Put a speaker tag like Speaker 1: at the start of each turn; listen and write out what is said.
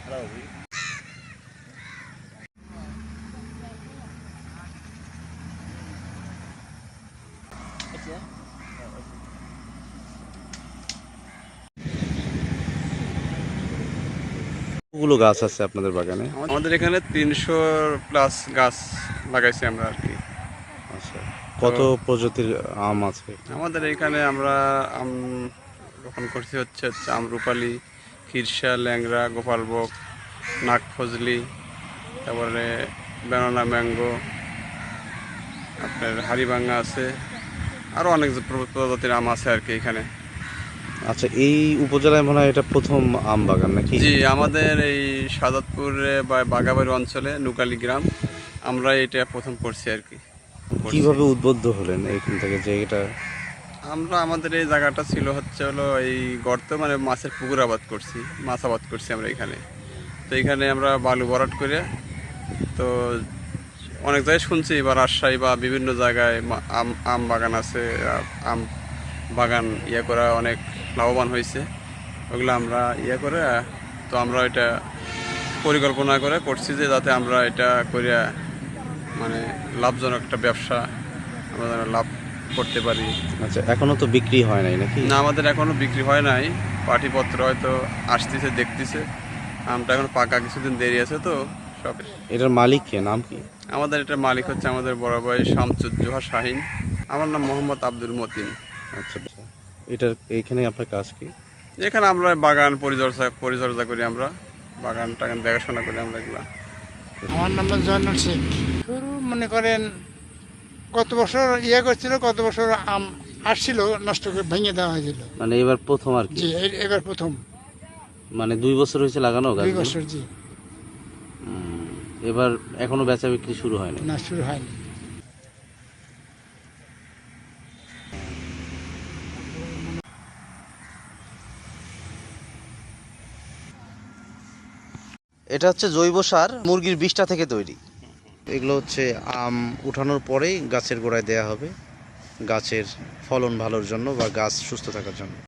Speaker 1: কতগুলো গাছ আছে আপনাদের বাগানে?
Speaker 2: আমাদের এখানে ৩০০+ গাছ লাগাইছি আমরা আর কি।
Speaker 1: আচ্ছা, কত প্রজাতির আম আছে?
Speaker 2: আমাদের এখানে আমরা আম রোপণ করছি হচ্ছে আমরুপালি, খিরসা, ল্যাংড়া, গোপালভোগ, নাগফজলি, তারপরে ব্যানানা ম্যাঙ্গো, আপনার হাড়িভাঙ্গা আছে, আরও অনেক প্রজাতির আম আছে আর কি এখানে।
Speaker 1: আচ্ছা, এই উপজেলায় মনে হয় এটা প্রথম আম বাগান নাকি?
Speaker 2: জি, আমাদের এই সাদাতপুরে বা বাগাবাড়ি অঞ্চলে নুকালি গ্রাম, আমরা এটা প্রথম করছি আর কি।
Speaker 1: কিভাবে উদ্বুদ্ধ হলেন এইখান থেকে যে এটা?
Speaker 2: আমরা আমাদের এই জায়গাটা ছিল হলো এই গর্ত, মানে মাছের পুকুর আবাদ করছি, মাছ আবাদ করছি আমরা এখানে। তো এখানে আমরা বালু ভরাট করে, তো অনেক জায়গায় শুনছি বা রাজশাহী বা বিভিন্ন জায়গায় আম বাগান আছে, আম বাগান করা অনেক লাভবান হয়েছে। ওগুলো আমরা করে, তো আমরা এটা পরিকল্পনা করে করছি যে যাতে আমরা এটা করিয়া মানে লাভজনক একটা ব্যবসা আমরা যেন লাভ করতে পারি।
Speaker 1: আচ্ছা, এখনো তো বিক্রি হয় নাই নাকি?
Speaker 2: না, আমাদের এখনো বিক্রি হয় নাই, পাটিপত্র হয়তো আসতেছে, দেখতেছে। আমটা এখন পাকা কিছুদিন দেরি আছে তো সব।
Speaker 1: এটার মালিক কে, নাম কি?
Speaker 2: আমাদের এটার মালিক হচ্ছে আমাদের বড় ভাই শামসুজ্জোহা শাহিন। আমার নাম মোহাম্মদ আব্দুল মতিন।
Speaker 1: আচ্ছা, এটার এইখানে আপনার কাজ কি?
Speaker 2: এখানে আমরা বাগান পরিচর্যা করি, আমরা বাগান টাগান দেখাশোনা করি আমরা এগুলা।
Speaker 3: আমার নাম জয়নুল শেখ। শুরু মনে করেন কত বছর করছিল, কত বছর আম আসছিল, নষ্ট করে ভেঙে দেওয়া হয়েছিল।
Speaker 1: মানে এবার প্রথম আর কি?
Speaker 3: জি, এবার প্রথম।
Speaker 1: মানে 2 বছর হয়েছে লাগানো গাছ?
Speaker 3: 2 বছর, জি।
Speaker 1: এবার এখনো বেচা বিক্রি শুরু হয়নি?
Speaker 3: না, শুরু হয়নি।
Speaker 1: এটা হচ্ছে জৈব সার, মুরগির বিষ্ঠা থেকে তৈরি। এগুলো হচ্ছে আম উঠানোর পরেই গাছের গোড়ায় দেয়া হবে, গাছের ফলন ভালোর জন্য বা গাছ সুস্থ থাকার জন্য।